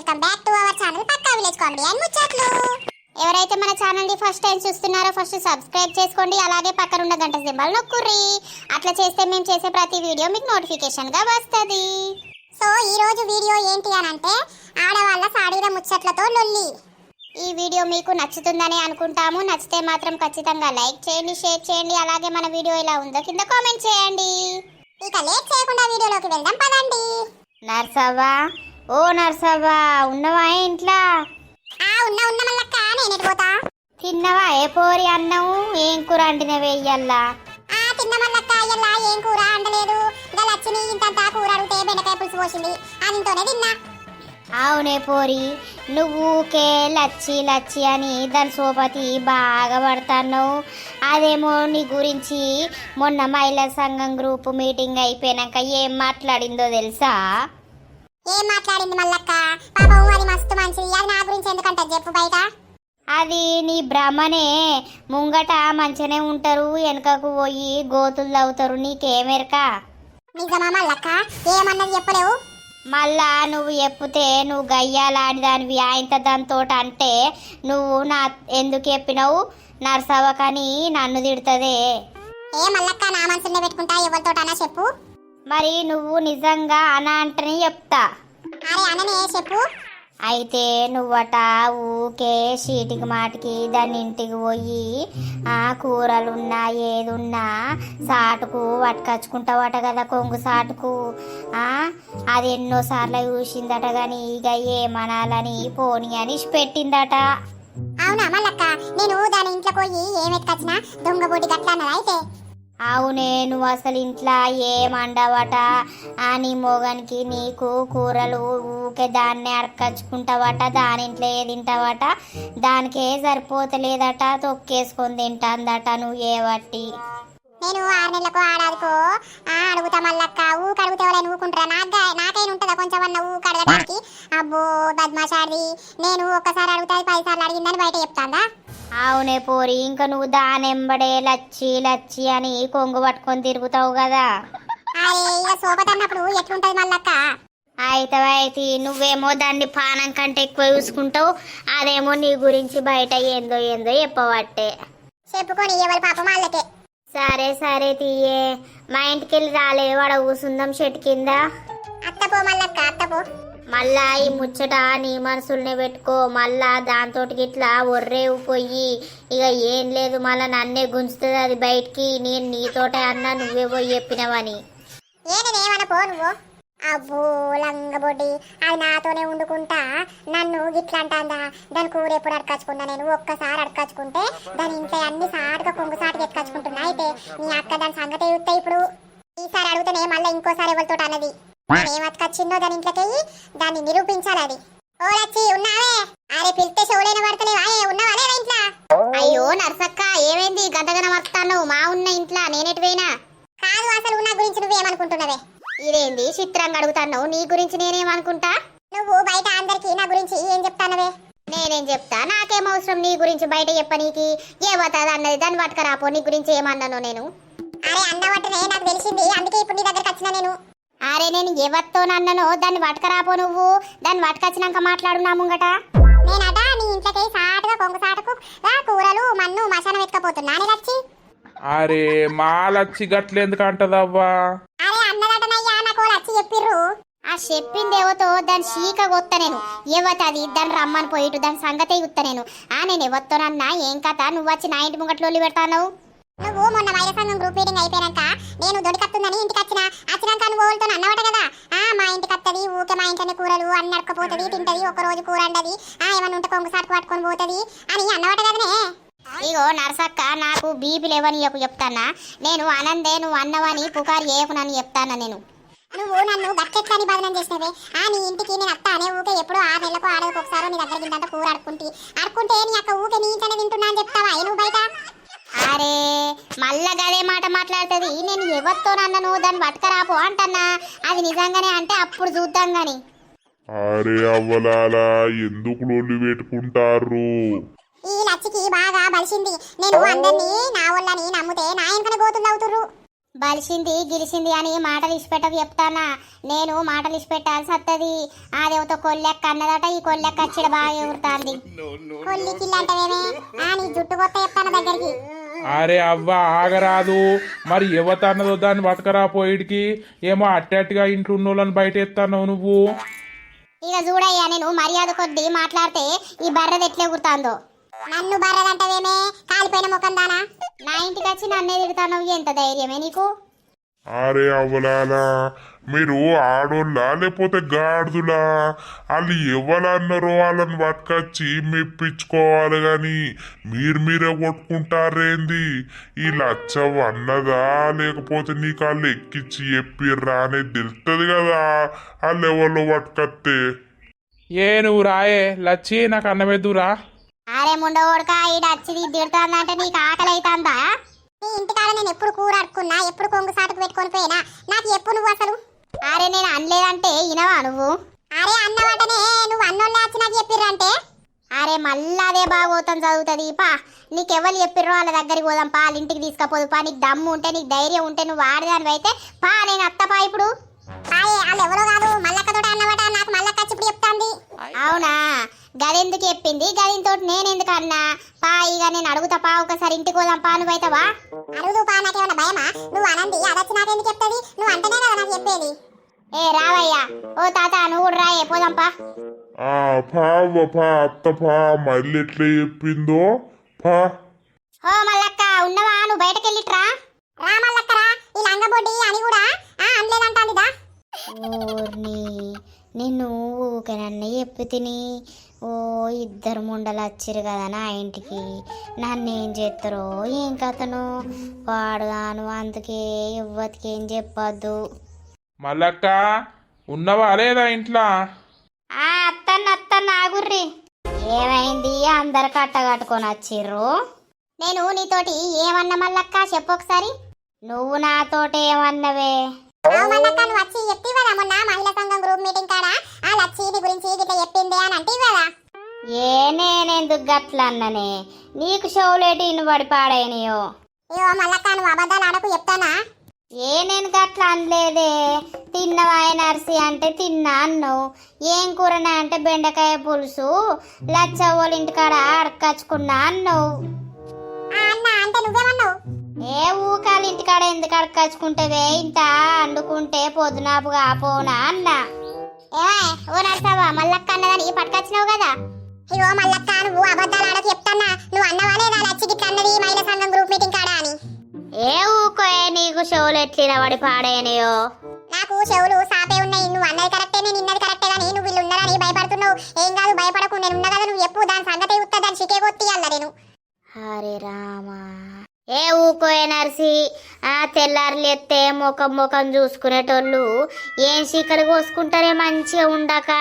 Welcome back to our channel pakka village comedy and ముచ్చట్లు. ఎవరైతే మన ఛానల్ ని ఫస్ట్ టైం చూస్తున్నారో ఫస్ట్ సబ్స్క్రైబ్ చేసుకోండి, అలాగే పక్కన ఉన్న గంట సింబల్ నొక్కుర్రి. అట్లా చేస్తే మేము చేసే ప్రతి వీడియో మీకు నోటిఫికేషన్ గా వస్తది. సో ఈ రోజు వీడియో ఏంటి అని అంటే ఆడవాళ్ళ సాడీల ముచ్చట్లతో లొల్లి. ఈ వీడియో మీకు నచ్చుతుందని అనుకుంటాము. నచ్చితే మాత్రం ఖచ్చితంగా లైక్ చేయండి, షేర్ చేయండి, అలాగే మన వీడియో ఎలా ఉందో కింద కామెంట్ చేయండి. ఇక లేట్ చేయకుండా వీడియోలోకి వెళ్దాం పదండి. నర్సవ్వా, ఓ నర్సవ్వా, ఉన్నవా ఇంట్లో? ఉన్నా మల్లక్క, నేను పోతా. తిన్నవా ఏ పోరి అన్నం? ఏం కూర అండినవే ఇయ్యల్లా? తిన్న మల్లక్క, ఇయ్యల్లా ఏం కూర అండలేదు. ఇంకా లచ్చిని ఇంతంతా కూర అడిగితే బెండకాయ పులుసు పోసింది, అదితోనే తిన్నా. అవునే పోరి, నువ్వు ఊకే లచ్చి లచ్చి అని దాని సోపతి బాగా పడతావు. అదేమో నీ గురించి మొన్న మహిళా సంఘం గ్రూప్ మీటింగ్ అయిపోయాక ఏం మాట్లాడిందో తెలుసా? ఏం మాట్లాడింది మల్లక్క? పాపం అది మస్తు మంచిది, అది నా గురించి ఎందుకంటే చెప్పు బయట. అది నీ భ్రమనే. ముంగట మంచిగానే ఉంటారు, వెనకకు పోయి గోతులు తవ్వుతారు. నీకేమెరక? నిజమా మల్లక్క? ఏమన్నది చెప్పలేవు. మళ్ళా నువ్వు చెప్తే నువ్వు గయ్యాలాడి దానివి ఆయనతో దానితో అంటే నువ్వు నా ఎందుకు చెప్పినావు నర్సవ్వకని నన్ను తిడుతుందే. ఏ మల్లక్క, నా మనసునే పెట్టుకుంటా, ఎవరితోటనా చెప్పు. మరి నువ్వు నిజంగా అన అంటని చెప్తా. అరే అననే చెప్పు. అయితే నువ్వట ఊకే చీటికి మాటికి దాని ఇంటికి పోయి కూరలున్నా ఏదున్నా సాటుకు పట్టుకచ్చుకుంటావట కదా, కొంగు సాటుకు. అది ఎన్నోసార్లు చూసిందట కానీ ఇక ఏమనాలని పోని అని పెట్టిందట. అవునా మల్లక్క? నేను దాని ఇంట్లో పోయి ఏం ఎత్తుకొచ్చినా దొంగ బోటి గట్ల అన్నదా అయితే? అవునే, నువ్వు అసలు ఇంట్లో ఏమండవట అని మొగనికి నీకు కూరలు ఊకే దాన్నే అడకచ్చుకుంటావట, దాని ఇంట్లో ఏ తింటావట, దానికే సరిపోతలేదట, తొక్కేసుకొని తింటాందట నువ్వు ఏవట్టి. నేను 6 నెలలకు ఆడాదికో అడుగుతా మల్లక్క. ఊకి అడిగితే ఎవరైనా ఊకుంటారా? నాకైనా ఉంటుందా కొంచెం అన్న ఊకి అడగడానికి? అబ్బో బద్మాషాడి, నేను ఒక్కసారి అడిగితే 10 సార్లు అడిగిందని బయట చెప్తాందా? అవునే పోరి, ఇంకా నువ్వు దానెంబడే లచ్చి లచ్చి అని కొంగు పట్టుకొని తిరుగుతావు కదా. అరే ఇక సోపతన్నప్పుడు ఎట్లుంటది మల్లక్క? అయితే నువ్వేమో దాన్ని పానం కంటే ఎక్కువ చూసుకుంటావు, అదేమో నీ గురించి బయట ఏందో ఏందో చెప్పబట్టే. చెప్పుకొని ఎవరి పాపం వాళ్ళకే. సరే తీయే, మా ఇంటికి వెళ్ళి రాలే, వాడ కూసుందాం చెట్టు కింద. అత్తపో మల్లక్క, అత్తపో. మళ్ళా ఈ ముచ్చట నీ మనసుల్నే పెట్టుకో. మళ్ళా దాంతో ఇట్లా ఒర్రేవు పోయి ఇక ఏం లేదు, మళ్ళా నన్నే గుంజుతుంది అది బయటికి. నేను నీతోటే అన్నా, నువ్వే పోయి చెప్పినవని. నేనేమనపో నువ్వు. అబ్బో లంగబొడ్డి, అది నాతోనే వండుకుంటా నన్ను గిట్లా అంటాందా? దాని కూర ఎప్పుడు అడకచ్చుకున్నా? నేను ఒక్కసారి అడకచ్చుకుంటే దాని ఇంట్లో అన్ని సాటుగా కొంగు సాటుగా ఎత్తుకచ్చుకుంటున్నా. అయితే నీ అక్క దాని సంగతి చూస్తే ఇప్పుడు ఈసారి అడుగుతానే మళ్ళీ ఇంకోసారి ఎవరితో అన్నది ఏం అతకచ్చిందో దాని ఇంట్లోకి దాన్ని నిరూపించాలి. అది ఓ లచ్చి ఉన్నావే? అరే పిలిస్తే షోలైన పడతలేవా? ఉన్నావా లేదా ఇంట్లో? అయ్యో నర్సక్క, ఏమైంది గంటగన వస్తాను? మా ఉన్న ఇంట్లో నేనెటువైనా కాదు, అసలు నా గురించి నువ్వేమనుకుంటున్నావే? ఇదేంది చిత్రంగా అడుగుతాను? నీ గురించి నేనేమనుకుంటా? నువ్వు బయట అందరికి నా గురించి ఏం చెప్తానవే? నేనేం చెప్తా? నాకేం అవసరం నీ గురించి బయట చెప్పనీకి? ఏమవుతుంది అన్నది దాన్ని పట్టుకరాపో. నీ గురించి ఏమన్నాను నేను? అరే అన్నవట్టునే నాకు తెలిసింది, అందుకే ఇప్పుడు నీ దగ్గరకు వచ్చిన నేను. అరే నేను ఎవరితో అన్ననో దాన్ని పట్టుకరాపో. నువ్వు దాన్ని పట్టుకొచ్చినాక మాట్లాడు నా ముంగట. నేనట నీ ఇంట్లోకి సాటుగా కొంగు సాటుకు కూరలు మన్ను మసానం ఎత్తుకపోతున్నా లచ్చి. అరే మా లచ్చి గట్లెందుకు అంటదవ్వా? అరే అన్నదటనయ్యా, నాకు లచ్చి చెప్పిర్రు. ఆ చెప్పింది ఎవతో దాని చీక కొత్త నేను. ఎవతది దాన్ని రమ్మని పోయిటు దాని సంగతే గుత్త నేను. నేను ఎవరితోనన్నా ఏం కథ? నువ్వు వచ్చి నా ఇంటి ముంగట్లో పెడతాను. నువ్వు మొన్న మహిళా సంఘం గ్రూప్ మీటింగ్ అయిపోయాక నేను దొరికత్తుందని ఇంటికి వచ్చినాక నువ్వు వాళ్ళతో అన్నవట కదా, మా ఇంటికి వస్తుంది ఊకే, మా ఇంట్లోనే కూరలు అన్ని అడకపోతుంది, తింటది, ఒక రోజు కూర అండది, ఏమన్నా ఉంటే కొంగు సాటుకు పట్టుకొని పోతుంది అని అన్నవట కదనే. ఇగో నర్సక్క, నాకు బీపీ లేవని చెప్తానా? నేను అనందే నువ్వు అన్నవని పుకారు చేయకునని చెప్తానా నేను. నువ్వు నన్ను గట్టెట్లని బదనం చేసినవే. నీ ఇంటికి నేను అత్తానే ఊకే ఎప్పుడు 6 నెలలకు ఆడలకు ఒకసారి నీ దగ్గర ఇంత కూర అడుకుంటే నీ అక్క ఊకే నీ ఇంట్లోనే తింటున్నా అని చెప్తావా నువ్వు బయట? అరే మళ్ళా గదే మాట మాట్లాడుతుంది. నేను ఎవరితో అన్నను దాన్ని పట్టుకరాపో అంటన్నా. అది నిజంగానే అంటే అప్పుడు చూద్దాం గాని. అరే అవ్వలాలా, ఎందుకు లొల్లి పెట్టుకుంటారు? ఈ లచ్చికి బాగా బలిసింది. నేను అందరినీ నా వాళ్ళని నమ్మితే నా వెనకనే గోతులు అవుతుర్రు. బలిసింది గిలిసింది అని మాటలు ఇచ్చిపెట్టకు చెప్తానా. నేను మాటలు ఇచ్చిపెట్టాల్సి వస్తుంది. అదేవతో కొల్లెక్క అన్నదట, ఈ కొల్లెక్క వచ్చిడ బాగా ఎగురుతాంది. కొల్లికి ఇల్లంటవేమే నీ జుట్టు కొత్త చెప్తాను దగ్గరికి. అరే అవ్వ ఆగరాదు, మరి ఎవత అన్నదో దాన్ని పట్టుకరా పోయిడికి. ఏమో అట్టట్టుగా ఇంట్లో ఉన్న వాళ్ళని బయట ఎత్తాను నువ్వు. ఇక చూడయ్యా, నేను మర్యాద కొద్దీ మాట్లాడితే ఈ బర్రెది ఎట్లా ఎగురుతాందో. నన్ను బర్రెదంటవేమే కాలిపోయిన ముఖం దానా. నా ఇంటికి వచ్చి నన్నే తిడతాను, ఎంత ధైర్యమే నీకు? అరే అవ్వలాలా, మీరు ఆడోళ్ళా లేకపోతే గాడిదులా? వాళ్ళు ఎవరన్నారో వాళ్ళని పట్టుకొచ్చి మెప్పించుకోవాలి గాని మీరే కొట్టుకుంటారేంది? ఈ లచ్చవ్వ అన్నదా లేకపోతే నీకు వాళ్ళు ఎక్కిచ్చి చెప్పిర్రా అనేది తెలుస్తుంది కదా వాళ్ళు ఎవరిలో పట్టుకొస్తే. ఏ నువ్వు రాయే లచ్చి, నాకు అన్నమెద్దురా. అరే ముండోడక ఈడ వచ్చి తిడతాందంటే నీకు ఆకలి అవుతుందా? నీ ఇంటికాడ నేను ఎప్పుడు కూర అడుకున్నా, ఎప్పుడు కొంగు సాటుకు పెట్టుకొని పోయినా, నాకు ఎప్పుడు నువ్వు అసలు. అరే నేను అనలేదంటే ఇనవా నువ్వు? అరే అన్నవాటనే నువ్వు అన్నోళ్ళే వచ్చి నాకు చెప్పిర్రంటే. అరే మళ్ళా అదే బాగోతం చదువుతుంది పా. నీకెవరు చెప్పిర్రో వాళ్ళ దగ్గరికి పోదాం పా, వాళ్ళ ఇంటికి తీసుకపోదు పా. నీకు దమ్ము ఉంటే నీకు ధైర్యం ఉంటే నువ్వు ఆడదానివి అయితే పా, నేను అత్తపా ఇప్పుడు. వాళ్ళు ఎవరో కాదు మల్లక్కతో అన్నవాట, నాకు మల్లక్క వచ్చి ఇప్పుడు చెప్తాంది. అవునా, గదెందుకు చెప్పింది, గదితో నేనెందుకు అన్నా పా. ఇక నేను అడుగుతా పా, ఒకసారి ఇంటికి పోదాం పా. నువ్వైతావా? అడుగుదు పా, నాకేమన్నా భయమా? నువ్వు అనంది అదొచ్చి నాకెందుకు చెప్తుంది? నువ్వు అంటేనే కదా నాకు చెప్పేది. ఏ రావయ్యా, ఓ తాత నువ్వు కూడా రాయే పోదాం పా. అత్త పా, మళ్ళీ ఎట్లా చెప్పిందో పా. ఓ మల్లక్క ఉన్నవా? నువ్వు బయటకు వెళ్ళిట్రా. రా మల్లక్కరా, ఈ లంగబొడ్డి అని కూడా అనలేదంటాందిదా. ఊర్ని నిన్ను ఊకనన్న చెప్పి తిని ఓ ఇద్దరు ముండలు వచ్చిరు కదా నా ఇంటికి. నన్ను ఏం చేస్తారో ఏం కథను వాడుగాను, అందుకే ఎవ్వతికి ఏం చెప్పొద్దు. మల్లక్క ఉన్నవా లేదా ఇంట్లో? అత్తన్న ఆగుర్రి. ఏమైంది అందరు కట్టగట్టుకొని వచ్చిర్రు? నేను నీతోటి ఏమన్నా మల్లక్క చెప్పు ఒకసారి. నువ్వు నాతోటి ఏమన్నవే? మల్లక్క నువ్వు వచ్చి చెప్తే కదా మొన్న మహిళా సంఘం గ్రూప్ మీటింగ్ కాడ ఆ లచ్చి నీ గురించి ఇట్లా చెప్పింది అని అంటే కదా. నేనెందుకు గట్లన్ననే? నీకు షోలేటి ఇనుబడి పాడైనయో. ఏవో మల్లక్క నువ్వు అబద్ధాలు ఆడకు చెప్తానా. నేను గట్ల అనలేదే. తిన్నవా నర్సి అంటే తిన్నా అన్నావు. ఏం కూరనా అంటే బెండకాయ పులుసు లచ్చవ్వల ఇంటికాడ అడకచ్చుకున్నా అన్నావు. అన్నా అంటే నువ్వేమన్నావు? ఏ ఊకాల ఇంటికాడ ఎందుకు అడకచ్చుకుంటేవే, ఇంత అండుకుంటే పొద్దునాపుగా పోనా అన్నా. ఓ నర్సవ్వ మల్లక్క అన్నదని పట్టుకొచ్చినావు కదా. ఇవో మల్లక్క నువ్వు అబద్ధాలు ఆడకు చెప్తానా. నువ్వు అన్నవా లేదా లచ్చి గిట్ల అన్నది మహిళా సంఘం గ్రూప్ మీటింగ్ కాడ అని? ఏ ఊకోయే, నీకు షోలు ఎట్లిన వాడి పాడైనయో. నాకు చెవులు సాపే ఉన్నాయి. నువ్వు అన్నది కరెక్టే, నేను ఇన్నది కరెక్టే కానీ నువ్వు వీళ్ళు ఉన్నారని భయపడుతున్నావు. ఏం కాదు భయపడకు, నేను ఉన్నా కదా. నువ్వు ఎప్పుడు దాని సంగతి ఉత్తా, దాని చికే కొత్తియాల నేను. హరే రామా. ఏ ఊకోయే నర్సి, తెల్లారులు ఎత్తే ముఖం చూసుకునేటోళ్ళు ఏం చీకలు కోసుకుంటారే మంచిగా ఉండక.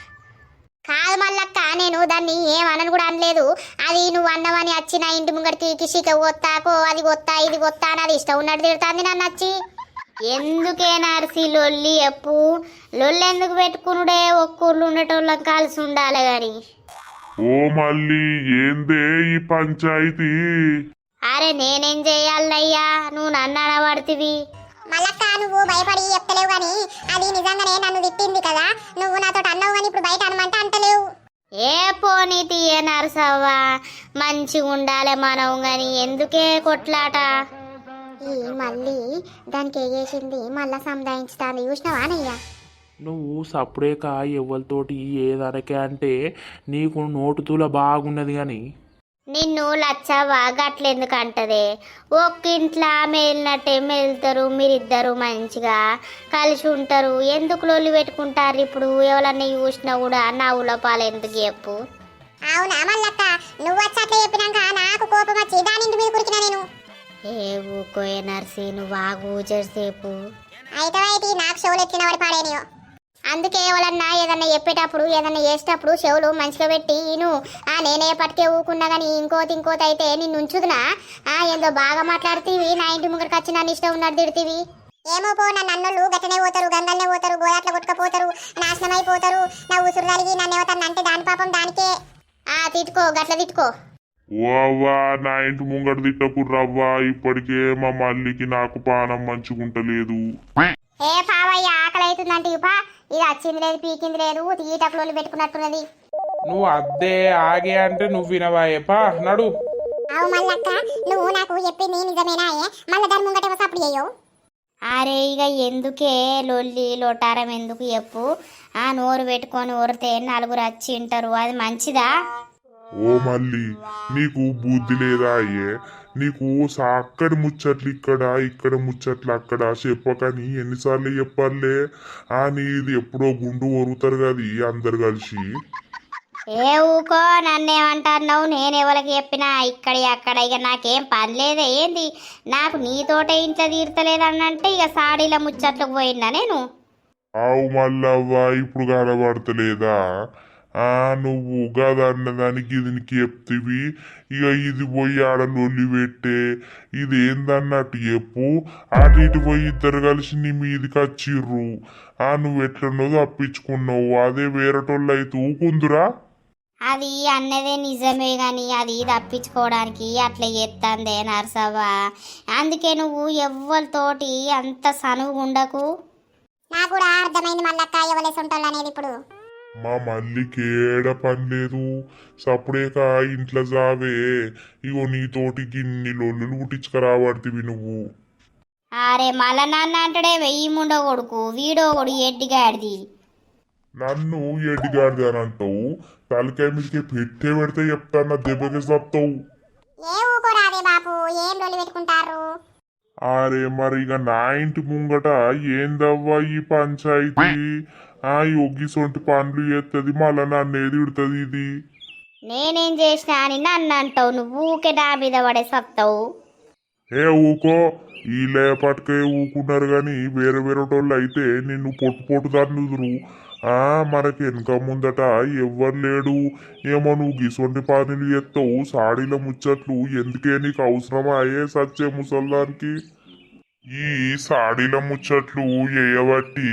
కాదు మల్లక్క, నేను దాన్ని ఏమనని కూడా అనలేదు. అది నువ్వు అన్నవని వచ్చిన ఇంటి ముంగడికి కిషిక కొత్తాకో అది కొత్తా ఇది కొత్తా అని అది ఇష్టం ఉన్నట్టు తిడుతుంది నన్ను వచ్చి. ఎందుకే నర్సి లొల్లి ఎప్పు? లొల్లి ఎందుకు పెట్టుకునుడే? ఒక్కూర్లు ఉండేటోళ్ళకి కలిసి ఉండాలి గాని. ఓ మళ్ళీ ఏందే ఈ పంచాయతీ? అరే నేనేం చెయ్యాలయ్యా, నువ్వు నన్ను అనబడితివి. మల్లక్క నువ్వు భయపడి చెప్తలేవు గాని అది నిజంగానే నన్ను తిట్టింది కదా. నువ్వు నాతో అన్నావు కానీ ఇప్పుడు బయట అనమంటే అంటలేవు. ఏ పోనీ తీయ నరసవ్వా, మంచిగా ఉండాలి మనం గాని ఎందుకే కొట్లాట? ఈ మళ్ళీ దానికి ఏగేసింది మళ్ళా సంధాయించుతాను చూసినావా నయ్యా. నువ్వు సప్పుడేక ఎవరితోటి ఏదనకే అంటే నీకు నోటుతూల బాగున్నది కానీ నిన్ను లచ్చవ్వా గట్లెందుకు అంటదే? ఒక్కింట్లో మేలినట్టే మెలుతారు, మీరిద్దరు మంచిగా కలిసి ఉంటారు. ఎందుకు లొల్లి పెట్టుకుంటారు? ఇప్పుడు ఎవరన్నా చూసినా కూడా నవ్వుల పాలు ఎందుకు చెప్పు? అవునా మల్లక్క, నువ్వు వచ్చి అట్లా చెప్పినాక నాకు కోపం వచ్చి దాని ఇంటి మీద కురికినా నేను. ఏ ఊకోయే నర్సి, నువ్వు ఆగు చేసేపు. అయితే నాకు చెవులు ఎత్తిన వాడి పాడేనియో. అందుకే ఎవరన్నా ఏదన్నా చెప్పేటప్పుడు ఏదన్నా చేసేటప్పుడు చెవులు మంచిగా పెట్టి నేనే పట్టుకే ఊకున్నా కానీ ఇంకోటి అయితే నిన్ను ఉంచుదునా? ఏందో బాగా మాట్లాడుతీవి, నా ఇంటి ముంగడికి వచ్చి నన్ను ఇష్టం ఉన్నట్టు తిడుతీవి. ఏమో పో, నన్ను అన్నోళ్ళు గట్టనే పోతారు, గంగల్నే పోతారు, గోదాట్లో కొట్టుకపోతారు, నాశనం అయిపోతారు. నా ఉసురు కలిగి నన్ను ఏమవుతాను అంటే దాని పాపం దానికే. తిట్టుకో, గట్ల తిట్టుకో. ఓ అవ్వా నా ఇంటి ముంగట తిట్టకుర్రవ్వా, ఇప్పటికే మా మల్లికి నాకు పానం మంచుకుంటలేదు. ఏ పావయ్య ఆకలి అవుతుందంటే ఇపా ఇది వచ్చింది లేదు పీకింది లేదు తీటకులు పెట్టుకున్నట్టున్నది. నువ్వు అద్దే ఆగే అంటే నువ్వు వినవాయేపా నడు. అవు మల్లక్క నువ్వు నాకు చెప్పింది నిజమేనా మళ్ళీ దాని ముంగట సప్పుడు చేయవు. అరే ఇక ఎందుకే లొల్లి లొటారం ఎందుకు చెప్పు. ఆ నోరు పెట్టుకొని ఊరితే నలుగురు వచ్చి వింటారు, అది మంచిదా? ఓ మల్లి నీకు బుద్ధి లేదా అయ్యే? నీకు అక్కడి ముచ్చట్లు ఇక్కడ ముచ్చట్లు అక్కడ చెప్పకని ఎన్నిసార్లు చెప్పాలే? నీది ఎప్పుడో గుండు ఒరుగుతారు కదా అందరు కలిసి. ఏ ఊకో నన్నేమంటున్నావు? నేను ఎవరికి చెప్పినా ఇక్కడ అక్కడ ఇక నాకేం పని లేదే ఏంది? నాకు నీతోటే ఇంట్లో తీర్తలేదన్నంటే ఇక సాడీల ముచ్చట్లకు పోయినా నేను. ఆవు మల్లవ్వా ఇప్పుడు కనబడతలేదా? నువ్వు గదన్నదానికి దీనికి చెప్తివి, ఇక ఇది పోయి ఆడ లొల్లి పెట్టే ఇది ఏందన్నట్టు చెప్పు. అటు ఇటు పోయి ఇద్దరు కలిసి నీ మీదికి వచ్చిర్రు. నువ్వు ఎట్లన్నో తప్పించుకున్నావు, అదే వేరేటోళ్ళు అయితే ఊకుందురా? అది అన్నదే నిజమే గాని అది తప్పించుకోవడానికి అట్లా చేస్తుందే నర్సవ్వ. అందుకే నువ్వు ఎవ్వరితోటి అంత సనువు ఉండకు. నాకు కూడా అర్థమైంది మల్లక్క ఎవలేసి ఉంటాళ్ళు అనేది. ఇప్పుడు మా మల్లికి ఏడ పని లేదు, సప్పుడేక ఇంట్లో జావే. ఇగో నీతోటి గిన్ని లొల్లులు పుట్టించుకురాబడుతుంది నువ్వు. అరే మళ్ళా నాన్న అంటాడే వెయ్యి ముండో కొడుకు వీడో కొడు ఎడ్డిగాడిది. నన్ను ఎడ్డిగాడిది అని అంటావు, తలకాయ మీదకి పెట్టే పెడితే చెప్తాను దెబ్బకి చెప్తావు. ఏ ఊకోరాదే బాపు ఏం లొల్లి పెట్టుకుంటారు. అరే మరి ఇక నా ఇంటి ముంగట ఏందవ్వా ఈ పంచాయతీ? యొగ్గిసొంటి పనులు చేస్తుంది మళ్ళా నన్ను ఎదుడుతుంది ఇది. నేనేం చేసినా అని నన్ను అంటావు, నువ్వు ఊకే నా మీద పడే సత్తావు. ఏ ఊకో, ఈ లేపటికే ఊకున్నారు గాని వేరే వేరేటోళ్ళు అయితే నిన్ను పొట్టు దాన్నుదురు. మనకి వెనక ముందట ఎవ్వరు లేడు, ఏమో నువ్వు గిసొంటి పనులు చేస్తావు, సాడీల ముచ్చట్లు ఎందుకే నీకు అవసరమా అయ్యే సచ్చే ముసల్దానికి? ఈ సాడీల ముచ్చట్లు చేయబట్టి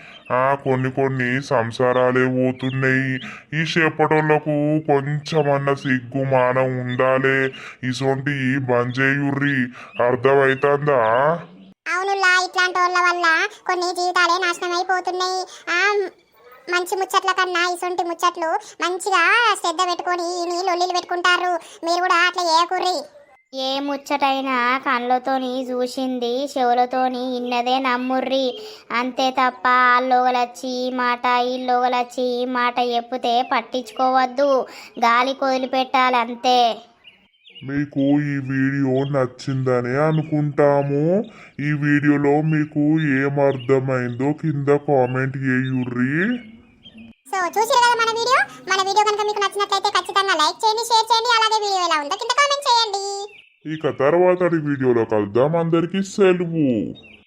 కొన్ని సంసారాలే పోతున్నాయి. ఈ చేపటోళ్లకు కొంచెమన్న సిగ్గు మానం ఉండాలే, ఇసొంటి బంద్ చేయుర్రి, అర్థమైతుందా? అవునులా ఇట్లాంటి వాళ్ళ వల్ల కొన్ని జీవితాలే నాశనం అయిపోతున్నాయి. మంచి ముచ్చట్ల కన్నా ఇసొంటి ముచ్చట్లు మంచిగా శ్రద్ధ పెట్టుకొని లొల్లిలు పెట్టుకుంటారు. మీరు కూడా అట్లా చేయకుర్రి. ఏ ముచ్చటైనా కళ్ళతోని చూసింది చెవులతోని ఇన్నదే నమ్ముర్రి, అంతే తప్ప ఆళ్ళొగలొచ్చి ఈ మాట ఈళ్ళొగలొచ్చి ఈ మాట చెప్తే పట్టించుకోవద్దు, గాలి వదిలిపెట్టాలి అంతే. మీకు ఈ వీడియో నచ్చిందనే అనుకుంటాము. ఈ వీడియోలో మీకు ఏమర్థమైందో కింద కామెంట్ చేయుర్రి. సో చూసారు కదా మన వీడియో కనుక మీకు నచ్చినట్లయితే ఖచ్చితంగా లైక్ చేయండి, షేర్ చేయండి, అలాగే వీడియో ఎలా ఉందో కింద కామెంట్ చేయండి. ఇక తర్వాతటి వీడియోలో కలుద్దాం. అందరికీ సెలవు.